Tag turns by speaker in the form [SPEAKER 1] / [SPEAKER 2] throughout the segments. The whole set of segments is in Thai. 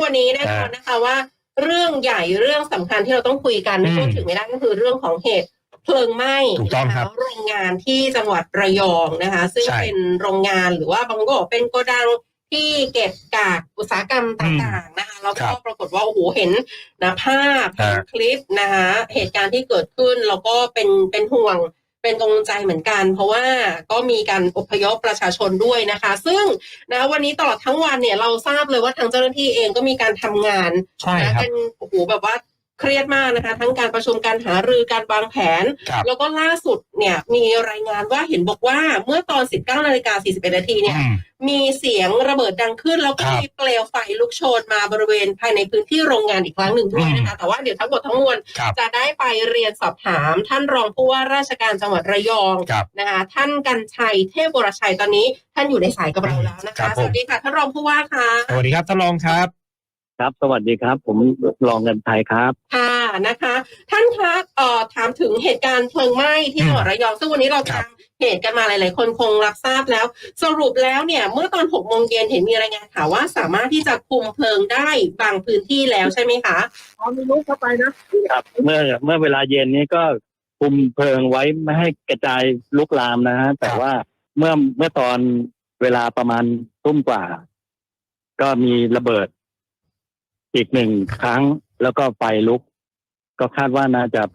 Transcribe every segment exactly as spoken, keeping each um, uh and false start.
[SPEAKER 1] วันนี้แน่นอนนะคะว่าเรื่องใหญ่เรื่องสำคัญที่เราต้องคุยกันไม่พูดถึงไม่ได้ก็คือเรื่องของเหตุเพลิงไหม้นะคะโรงงานที่จังหวัดระยองนะคะซึ่งเป็นโรงงานหรือว่าบางก็บอกเป็นโกดังที่เก็บกากอุตสาหกรรมต่างๆนะคะแล้วก็ปรากฏว่าโอ้โหเห็นนะภาพคลิปนะคะเหตุการณ์ที่เกิดขึ้นแล้วก็เป็นเป็นห่วงเป็นกังวลใจเหมือนกันเพราะว่าก็มีการอพยพประชาชนด้วยนะคะซึ่งนะวันนี้ตลอดทั้งวันเนี่ยเราทราบเลยว่าทางเจ้าหน้าที่เองก็มีการทำงานนะกันโอ้โหแบบว่าเครียดมากนะคะทั้งการประชุมการหารือการวางแผนแล้วก็ล่าสุดเนี่ยมีรายงานว่าเห็นบอกว่าเมื่อตอน สิบเก้านาฬิกาสี่สิบเอ็ดนาทีเนี่ยมีเสียงระเบิดดังขึ้นแล้วก็มีเปลวไฟลุกโชนมาบริเวณภายในพื้นที่โรงงานอีกครั้งหนึ่งด้วยนะคะแต่ว่าเดี๋ยวทั้งหมดทั้งมวลจะได้ไปเรียนสอบถามท่านรองผู้ว่าราชการจังหวัดระยองนะคะท่านกรรชัยเทพวรชัยตอนนี้ท่านอยู่ในสายกับเราแล้วนะคะสวัสดีค่ะท่านรองผู้ว่าค่ะ
[SPEAKER 2] สวัสดีครับท่านรองครับ
[SPEAKER 3] ครับสวัสดีครับผมรองเงินไทยครับ
[SPEAKER 1] ค่ะนะคะท่านคะเอ่อถามถึงเหตุการณ์เพลิงไหม้ที่จังหวัดระยองซึ่งวันนี้เราตามเหตุกันมาหลายๆคนคงรับทราบแล้วสรุปแล้วเนี่ยเมื่อตอนหกโมงเย็นเห็นมีรายงานข่าวว่าสามารถที่จะคุมเพลิงได้บางพื้นที่แล้วใช่ไหมคะ
[SPEAKER 3] อ๋อมีลุกเข้าไปนะครับเมื่อเมื่อเวลาเย็นนี้ก็คุมเพลิงไว้ไม่ให้กระจายลุกลามนะฮะแต่ว่าเมื่อเมื่อตอนเวลาประมาณทุ่มกว่าก็มีระเบิดอีกหนึ่งครั้งแล้วก็ไฟลุกก็คาดว่าน่าจะ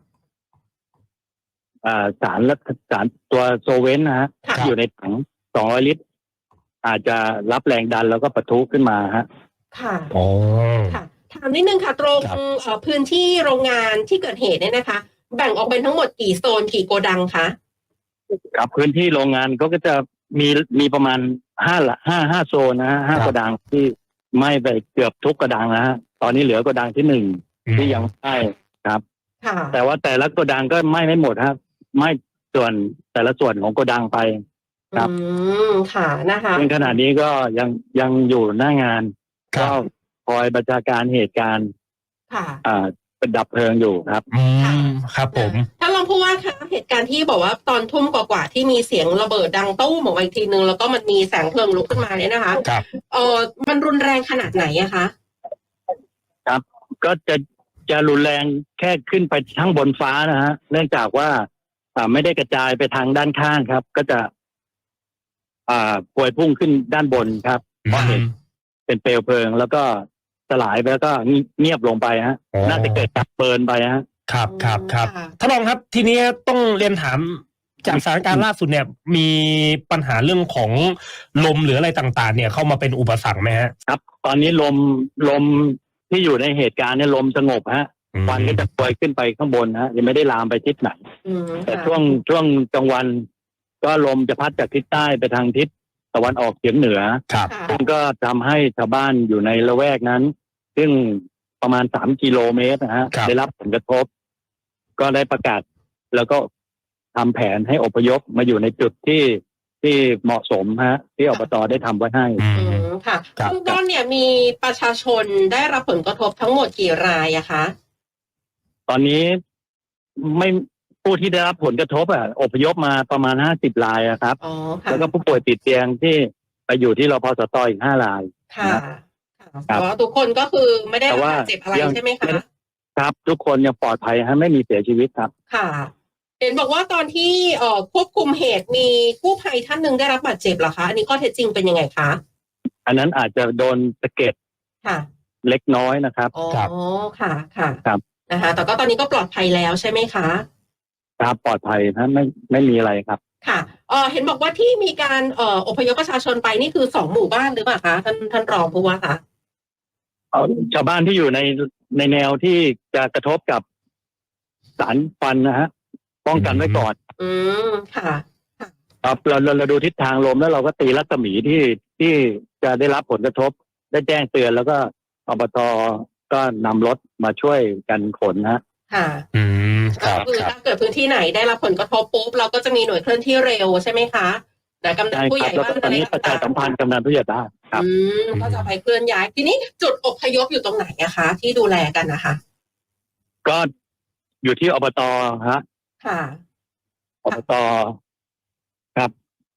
[SPEAKER 3] สารและสารตัวโซเวนนะฮะอยู่ในถังสองร้อยลิตรอาจจะรับแรงดันแล้วก็ปะทุขึ้นมาฮะ
[SPEAKER 1] ค่ะอ๋อค่ะถามนิดนึงค่ะตรงพื้นที่โรงงานที่เกิดเหตุเนี่ยนะคะแบ่งออกเป็นทั้งหมดกี่โซนกี่โกดังคะ
[SPEAKER 3] ครับพื้นที่โรงงานก็จะมีมีประมาณห้าละห้าห้าโซนนะฮะห้าโกดังที่ไหม้ไปเกือบทุกโกดังนะฮะตอนนี้เหลือโกดังที่หนึ่งที่ยังไหม้ครับแต่ว่าแต่ละโกดังก็ไหม้ไม่หมดครับไหม้ส่วนแต่ละส่วนของโกดังไปครับ
[SPEAKER 1] อืมค่ะนะคะ
[SPEAKER 3] ในขณะนี้ก็ยังยังอยู่หน้างานก็คอยบัญชาการเหตุการณ์
[SPEAKER 1] ค่ะ
[SPEAKER 3] อ่าเป็นดับเพลิงอยู่ครับ
[SPEAKER 2] อืมครับผม
[SPEAKER 1] ถ้าลองพูดว่าค่ะเหตุการณ์ที่บอกว่าตอนทุ่มกว่าๆที่มีเสียงระเบิดดังตู้มออกมาอีกทีนึงแล้วก็มันมีแสงเพลิงลุกขึ้นมาเนี่ยนะคะ
[SPEAKER 2] ครับ
[SPEAKER 1] เออมันรุนแรงขนาดไหนอะคะ
[SPEAKER 3] ครับก็จะจะรุนแรงแค่ขึ้นไปทั้งบนฟ้านะฮะเนื่องจากว่าอ่าไม่ได้กระจายไปทางด้านข้างครับก็จะอ่าพวยพุ่งขึ้นด้านบนครับเพราะเห็นเป็นเปลวเพลิงแล้วก็สลายไปแล้วก็เงียบลงไปฮะน่าจะเกิดจากเบิร์นไปฮะ
[SPEAKER 2] ครับครับครับท่านรองครับทีนี้ต้องเรียนถามจากสถานการณ์ล่าสุดเนี่ยมีปัญหาเรื่องของลมหรืออะไรต่างๆเนี่ยเข้ามาเป็นอุปสรรคไหมฮะ
[SPEAKER 3] ครับตอนนี้ลมลมที่อยู่ในเหตุการณ์เนี่ยลมสงบฮะควันก็จะปล่อยขึ้นไปข้างบนฮะยังไม่ได้ลามไปทิศไหนแต่ช่วงช่วงกลางวันก็ลมจะพัดจากทิศใต้ไปทางทิศตะวันออกเฉียงเหนือซึ่งก็ทำให้ชาวบ้านอยู่ในละแวกนั้นซึ่งประมาณสามกิโลเมตรนะฮะได้รับผลกระทบก็ได้ประกาศแล้วก็ทำแผนให้อพยพมาอยู่ในจุดที่ที่เหมาะสมฮะที่อบตได้ทำไว้ให้
[SPEAKER 1] ค่ะเบื้องต้นเนี่ยมีประชาชนได้รับผลกระทบทั้งหมดกี่รายอะคะ
[SPEAKER 3] ตอนนี้ไม่ผู้ที่ได้รับผลกระทบอ่ะอพยพมาประมาณห้าสิบรายอะครับแล้วก็ผู้ป่วยติดเตียงที่ไปอยู่ที่รพสตอีกห้าราย
[SPEAKER 1] ค่ะอ๋อทุกคนก็คือไม่ได้บาดเจ็บอะไรใช่ไหมคะ
[SPEAKER 3] ครับทุกคนยังปลอดภัยฮะไม่มีเสียชีวิตครับ
[SPEAKER 1] ค่ะเห็นบอกว่าตอนที่เอ่อควบคุมเหตุมีกู้ภัยท่านหนึ่งได้รับบาดเจ็บเหรอคะอันนี้ข้อเท็จจริงเป็นยังไงคะ
[SPEAKER 3] อันนั้นอาจจะโดนสะเก็ด
[SPEAKER 1] ค่ะ
[SPEAKER 3] เล็กน้อยนะครับ
[SPEAKER 1] อ๋อค่ะค่ะ
[SPEAKER 3] ครับ
[SPEAKER 1] นะคะแต่ก็ตอนนี้ก็ปลอดภัยแล้วใช่ไหมคะ
[SPEAKER 3] ครับปลอดภัยนะไม่ไม่มีอะไรครับ
[SPEAKER 1] ค่ะเออเห็นบอกว่าที่มีการเอ่ออพยพประชาชนไปนี่คือสองหมู่บ้านหรือเปล่าคะท่านท่านรองผู้ว่าคะ
[SPEAKER 3] ชาวบ้านที่อยู่ในในแนวที่จะกระทบกับสารฟันนะฮะป้องกันไว้ก่อน
[SPEAKER 1] อืมค่ะ
[SPEAKER 3] ครับเราเราดูทิศทางลมแล้วเราก็ตีรัศมีที่ที่จะได้รับผลกระทบได้แจ้งเตือนแล้วก็อบต.ก็นำรถมาช่วยกันขนนะ
[SPEAKER 1] ค่ะ
[SPEAKER 2] อืม
[SPEAKER 1] ก็คือถ้าเกิดพื้นที่ไหนได้รับผลกระทบปุ๊บเราก็จะมีหน่วยเคลื่อนที่เร็วใช่ไหมคะแต่กำนันผู้ใหญ่บ้าน
[SPEAKER 3] ตอนนี้ประชาสัมพันธ์กำนันผู้ใหญ่บ้านครับ
[SPEAKER 1] อืมก็จะไปเคลื่อนย้ายทีนี้จุดอพยพอยู่ตรงไหนอะคะที่ดูแลกันนะคะ
[SPEAKER 3] ก็อยู่ที่อบต.ฮะ
[SPEAKER 1] ค่ะ
[SPEAKER 3] อบต.ครับ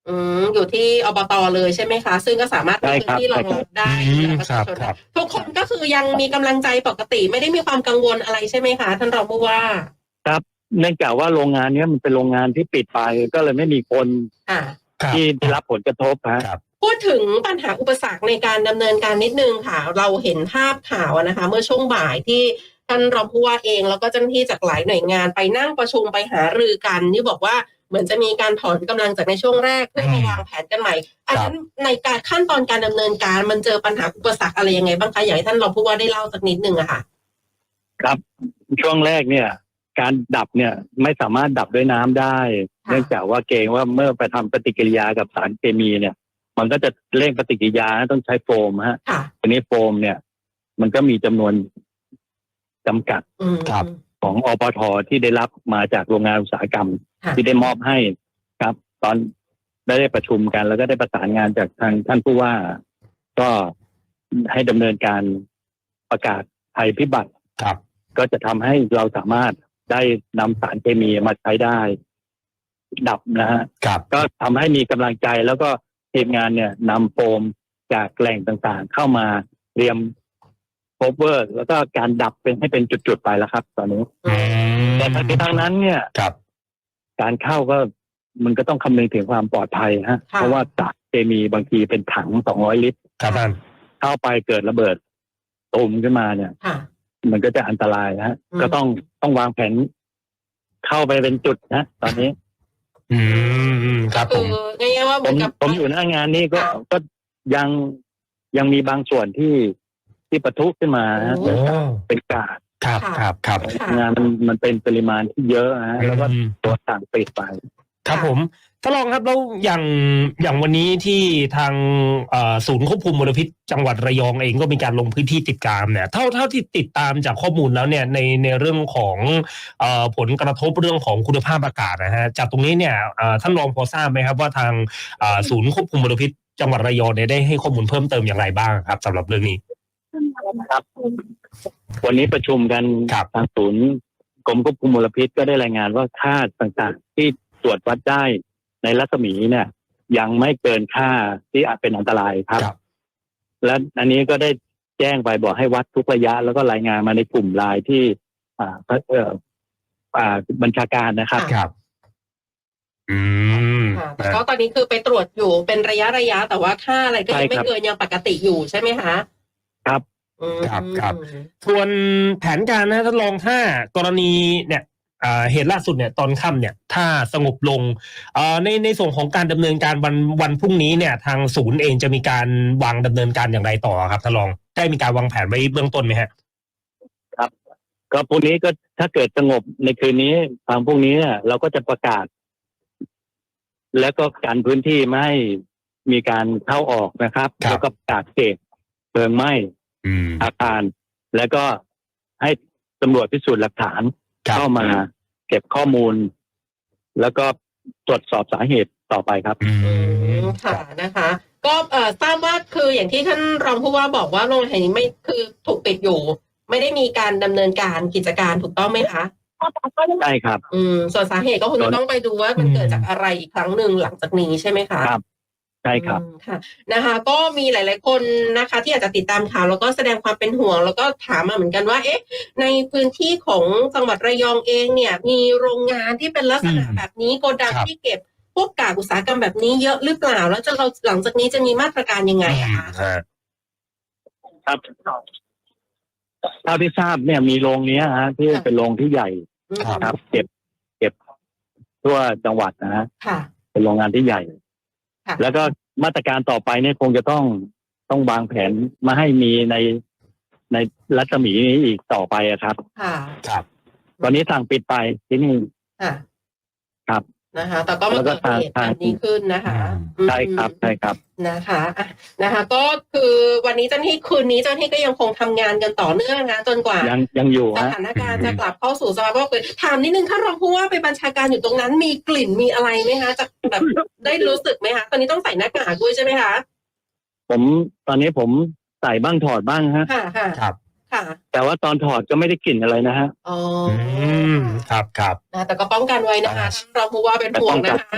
[SPEAKER 1] อืมอยู่ที่อบตเลยใช่ไหมคะซึ่งก็สามารถมีพื้นที่รองรับได้ประชาชนทุกคนก็คือยังมีกำลังใจปกติไม่ได้มีความกังวลอะไรใช่ไหมคะท่านรองผู้ว่า
[SPEAKER 3] ครับเนื่องจากว่าโรงงานนี้มันเป็นโรงงานที่ปิดไปก็เลยไม่มีคนที่ได้รับผลกระทบครับ
[SPEAKER 1] พูดถึงปัญหาอุปสรรคในการดำเนินการนิดนึงค่ะเราเห็นภาพข่าวนะคะเมื่อช่วงบ่ายที่ท่านรองผู้ว่าเองแล้วก็เจ้าหน้าที่จากหลายหน่วยงานไปนั่งประชุมไปหารือกันที่บอกว่าเหมือนจะมีการถอนกำลังจากในช่วงแรกเพื่อมาวางแผนกันใหม่อันนั้นในการขั้นตอนการดำเนินการมันเจอปัญหาอุปสรรคอะไรยังไงบ้างคะอยากให้ท่านรองผู้ว่าได้เล่าสักนิดนึงอะค่ะ
[SPEAKER 3] ครับช่วงแรกเนี่ยการดับเนี่ยไม่สามารถดับด้วยน้ำได้เนื่องจากว่าเกรงว่าเมื่อไปทำปฏิกิริยากับสารเคมีเนี่ยมันก็จะเร่งปฏิกิริยาต้องใช้โฟมฮะทีนี้โฟมเนี่ยมันก็มีจำนวนจำกัดของอปท.ที่ได้รับมาจากโรงงานอุตสาหกรรมที่ได้มอบให้ครับ ตอนได้ได้ประชุมกันแล้วก็ได้ประสานงานจากทางท่านผู้ว่าก็ให้ดำเนินการประกาศภัยพิบัติ
[SPEAKER 2] ครับ
[SPEAKER 3] ก็จะทำให้เราสามารถได้นำสารเคมีมาใช้ได้ดับนะฮะก็ทำให้มีกำลังใจแล้วก็ทีมงานเนี่ยนำโฟมจากแหล่งต่างๆเข้ามาเตรียมโคเวอร์แล้วก็การดับเป็นให้เป็นจุดๆไปแล้วครับ ตอนนี้แต่ทั้งนี้ทั้งนั้นเนี่ยการเข้าก็มันก็ต้องคำนึงถึงความปลอดภัยฮะเพราะว่าสารเคมีบางทีเป็นถังสองร้อยลิตรเข้าไปเกิดระเบิดตูมขึ้นมาเนี่ยมันก็จะอันตรายฮะก็ต้องต้องวางแผนเข้าไปเป็นจุดนะตอนนี้
[SPEAKER 2] อืมครับผม
[SPEAKER 3] ผมผมอยู่หน้างานนี้ก็ก็ยังยังมีบางส่วนที่ที่ปะทุขึ้นมาเป็นกาด
[SPEAKER 2] ครับครับครับ
[SPEAKER 3] งานมันมันเป็นปริมาณที่เยอะฮะแล้วก็ตัวสั่งปิดไป
[SPEAKER 2] ครับผมท่านรองครับแล้วอย่างอย่างวันนี้ที่ทางศูนย์ควบคุมมลพิษจังหวัดระยองเองก็มีการลงพื้นที่ติดตามเนี่ยเท่าเท่าที่ติดตามจากข้อมูลแล้วเนี่ยในในเรื่องของผลกระทบเรื่องของคุณภาพอากาศนะฮะจากตรงนี้เนี่ยท่านรองพอทราบไหมครับว่าทางศูนย์ควบคุมมลพิษจังหวัดระยองเนี่ยได้ให้ข้อมูลเพิ่มเติมอย่างไรบ้างครับสำหรับเรื่องนี้
[SPEAKER 3] ครับวันนี้ประชุมกันทางศูนย์กรมควบคุมมลพิษก็ได้รายงานว่าค่าต่างๆที่ตรวจวัดได้ในรัศมีเนี่ยยังไม่เกินค่าที่อาจเป็นอันตรายครับและอันนี้ก็ได้แจ้งไปบอกให้วัดทุกระยะแล้วก็รายงานมาในกลุ่มไลน์ที่อ่าเอ่ออ่าบัญชาการนะครับ
[SPEAKER 2] ครับอืม
[SPEAKER 1] แต่ก็ตอนนี้คือไปตรวจอยู่เป็นระยะระยะแต่ว่าค่าอะไรก็ยังไม่เกินยังปกติอยู่ใช่ไหมคะ
[SPEAKER 3] ครับ
[SPEAKER 2] ครับครับส่วนแผนการนะท่านรองถ้ากรณีเนี่ยเหตุล่าสุดเนี่ยตอนค่ำเนี่ยถ้าสงบลงในในส่วนของการดำเนินการวันวันพรุ่งนี้เนี่ยทางศูนย์เองจะมีการวางดำเนินการอย่างไรต่อครับท่านรองได้มีการวางแผนไว้เบื้องต้นไหมฮะ
[SPEAKER 3] ครับก็พรุ่งนี้ก็ถ้าเกิดสงบในคืนนี้ทางพรุ่งนี้เราก็จะประกาศแล้วก็การพื้นที่ไม่ให้มีการเข้าออกนะครับแล้วก็ประกาศเขตเพลิงไหม้อาคารแล้วก็ให้ตำรวจพิสูจน์หลักฐานเข้ามาเก็บข้อมูลแล้วก็ตรวจสอบสาเหตุต่อไปครับ
[SPEAKER 1] อืมค่ะนะคะก็เอ่อทราบว่าคืออย่างที่ท่านรองผู้ว่าบอกว่าโรงแรมแห่งนี้ไม่คือถูกปิดอยู่ไม่ได้มีการดำเนินการกิจการถูกต้องไหมคะ
[SPEAKER 3] ใช่ครับ
[SPEAKER 1] อืมส่วนสาเหตุก็คงจะต้องไปดูว่ามันเกิดจากอะไรอีกครั้งหนึ่งหลังจากนี้ใช่ไหมคะ
[SPEAKER 3] ครับใช่ครับ
[SPEAKER 1] ค่ะนะคะก็มีหลายๆคนนะคะที่อาจจะติดตามข่าวแล้วก็แสดงความเป็นห่วงแล้วก็ถามมาเหมือนกันว่าเอ๊ะในพื้นที่ของจังหวัดระยองเองเนี่ยมีโรงงานที่เป็นลักษณะแบบนี้โกดังที่เก็บพวกกากอุตสาหกรรมแบบนี้เยอะหรือเปล่าแล้วจะเราหลังจากนี้จะมีมาตรการยังไงอะคะ
[SPEAKER 3] ครับเท่าที่ทราบเนี่ยมีโรงนี้ฮะที่เป็นโรงที่ใหญ่ครับเก็บเก็บทั่วจังหวัดนะฮะเป็นโรงงานที่ใหญ่แล้วก็มาตรการต่อไปเนี่ยคงจะต้องต้องวางแผนมาให้มีในในรัศมีนี้อีกต่อไปครับ
[SPEAKER 1] ค่ะ
[SPEAKER 2] ครับ
[SPEAKER 3] ตอนนี้สั่งปิดไปที่นี่
[SPEAKER 1] ค่ะ
[SPEAKER 3] ครับ
[SPEAKER 1] นะคะแต่ก็มาเกิดเหตุการณ์นี้ขึ้นนะคะ
[SPEAKER 3] ใช่ครับใช่ครับ
[SPEAKER 1] นะคะนะคะก็คือวันนี้เจ้าหน้าที่คืนนี้เจ้าหน้าที่ก็ยังคงทำงานกันต่อเนื่องนะจนกว่า
[SPEAKER 3] ยังยังอยู่
[SPEAKER 1] สถานการณ์จะกลับเข้าสู่สภาวะปกติถามนิดนึงถ้ารองผู้ว่าไปบัญชาการอยู่ตรงนั้นมีกลิ่นมีอะไรไหมคะจะแบบได้รู้สึกไหมคะตอนนี้ต้องใส่หน้ากากด้วยใช่ไหมคะ
[SPEAKER 3] ผมตอนนี้ผมใส่บ้างถอดบ้างฮะ
[SPEAKER 1] ค่ะค่ะ
[SPEAKER 2] ครับ
[SPEAKER 3] แต่ว่าตอนถอดก็ไม่ได้กลิ่นอะไรนะฮะ
[SPEAKER 1] อ๋อ
[SPEAKER 2] ครับครับ
[SPEAKER 1] นะแต่ก็ป้องกันไว้นะคะท่านรองผู้ว่าเป็นห่วงนะคะ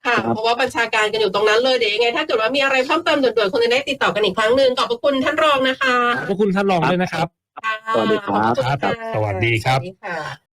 [SPEAKER 1] ค่ะเพราะว่าบัญชาการกันอยู่ตรงนั้นเลยเดี๋ยวยังไงถ้าเกิดว่ามีอะไรเพิ่มเติมด่วนๆคงจะได้ติดต่อกันอีกครั้งหนึ่งขอบพระคุณท่านรองนะคะ
[SPEAKER 2] ขอบคุณท่านรองด้วยนะครับ
[SPEAKER 3] สวัสดีครับ
[SPEAKER 2] ครับสวัสดีครับ
[SPEAKER 1] สวัสดีค่ะ